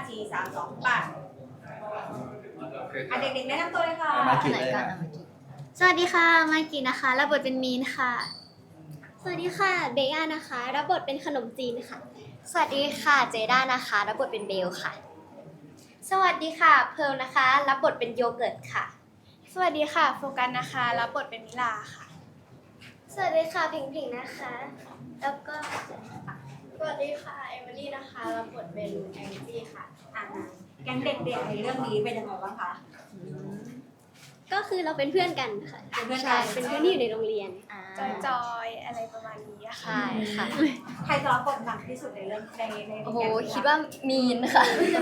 4 3 2ไปเด็กๆแนะนำตัวเลยค่ะมากิไหนเลยก่อนนะเอามากินสวัสดีค่ะมากินะคะรับบทเป็นมีนค่ะสวัสดีค่ะเบย่านะคะรับบทเป็นขนมจีนค่ะสวัสดีค่ะเจด้านะคะรับบทเป็นเบลค่ะสวัสดีค่ะเพิร์ลนะคะรับบทเป็นโยเกิร์ตค่ะสวัสดีค่ะโฟกัสนะคะรับบทเป็นมิลาค่ะสวัสดีค่ะพิงพิงนะคะแล้วก็สวัสดีค่ะเอมิลี่นะคะรับบทเป็นแองจี้ค่ะแก๊งเด็กๆในเรื่องนี้เป็นยังไงบ้างคะก็คือเราเป็นเพื่อนกันค่ะเป็นเพื่อนกัใช่นเป็นเพื่อนที่อยู่ในโรงเรียนจอยๆอะไรประมาณนี้ค่ะใช่ค่ะใครจะรับบทหนักที่สุดในเรื่องในโอ้โหแก๊งนี้คิดว่ามีนค่ะ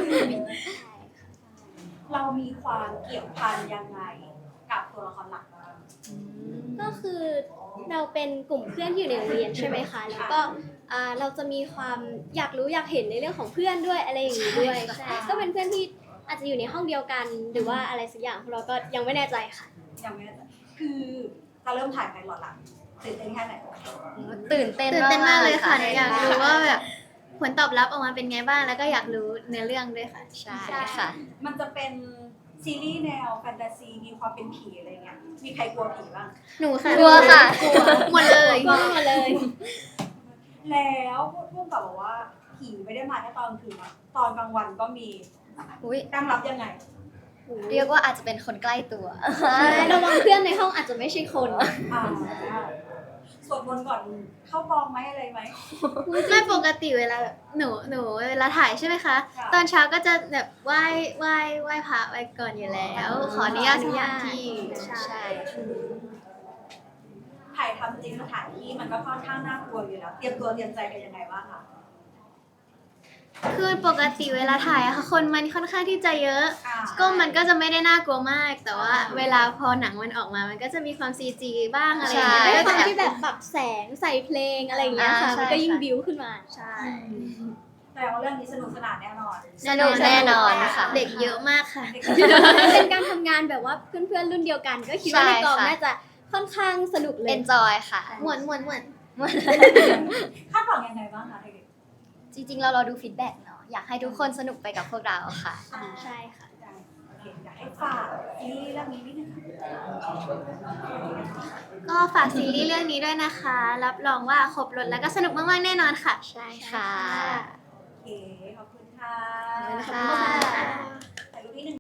เรามีความเกี่ยวพันยังไงกับตัวละครหลักบ้างก็คือเราเป็นกลุ่มเพื่อนที่อยู่ในโรงเรียนใช่ไหมคะแล้วก็เราจะมีความอยากรู้อยากเห็นในเรื่องของเพื่อนด้วยอะไรอย่างนี้ด้วยใช่ก็เป็นเพื่อนที่อาจจะอยู่ในห้องเดียวกันหรือว่าอะไรสักอย่างพวกเราก็ยังไม่แน่ใจค่ะยังไม่แน่ใจคือเราเริ่มถ่ายไพลอตละตื่นเต้นแค่ไหนตื่นเต้นตื่นเต้นมากเลยค่ะใช่อยากรู้ว่าแบบผลตอบรับออกมาเป็นไงบ้างแล้วก็อยากรู้เนื้อเรื่องด้วยค่ะใช่ค่ะมันจะเป็นซีรีส์แนวแฟนตาซีมีความเป็นผีอะไรเงี้ยมีใครกลัวผีบ้างหนูค่ะกลัวค่ะหมดเลยกลัวหมดเลยแล้วพูดกับบอกว่าผีไม่ได้มาแค่ตอนกลางคืนนะตอนกลางวันก็มีอุ้ยตั้งรับยังไงเรียกว่าอาจจะเป็นคนใกล้ตัวใช่ระวังเพื่อนในห้องอาจจะไม่ใช่คนอ่าสวดมนต์ก่อนเข้ากองไหมอะไรไหมไม่ปกติเวลาแบบหนูเวลาถ่ายใช่ไหมคะค่ะตอนเช้าก็จะแบบไหว้พระไว้ก่อนอยู่แล้ว ขออนุญาตทุกอย่างที่ใช่ถ่ายทำจริงสถานที่มันก็ค่อนข้างน่ากลัวอยู่แล้วเตรียมตัวเตรียมใจกันยังไงบ้างคะคือปกติเวลาถ่ายอะค่ะคนมันค่อนข้างที่จะเยอะ ก็มันก็จะไม่ได้น่ากลัวมาก แต่ว่าเวลาพอหนังมันออกมา มันก็จะมีความ CG บ้างอะไรอย่างเงี้ยใช่ด้วยความที่แบบปรับแสงใส่เพลงอะไรอย่างเงี้ยค่ะใช่มันก็ยิ่งค่ะบิ้วขึ้นมาใช่แต่ว่าเรื่องนี้สนุกสนานแน่นอนสนุกแน่นอนค่ะเด็กเยอะมากค่ะเด็กเป็นการทำงานแบบว่าเพื่อนๆรุ่นเดียวกัน ก็คิดว่าในกองใช่ค่ะน่าจะค่อนข้างสนุกเลย enjoy ค่ะหมวนคาดหวังยังไงบ้างคะเด็กจริงๆ เรารอดูฟีดแบ็กเนาะ อยากให้ทุกคนสนุกไปกับพวกเราค่ะๆใช่ค่ะโอเคอยากให้ฝากซีรีส์เรื่องนี้นิดนึงค่ะก็ฝากซีรีส์เรื่องนี้ด้วยนะคะ รับรองว่าครบรถแล้วก็สนุกมากๆแน่นอนค่ะใช่ค่ะโอเคขอบคุณค่ะขอบคุณค่ะ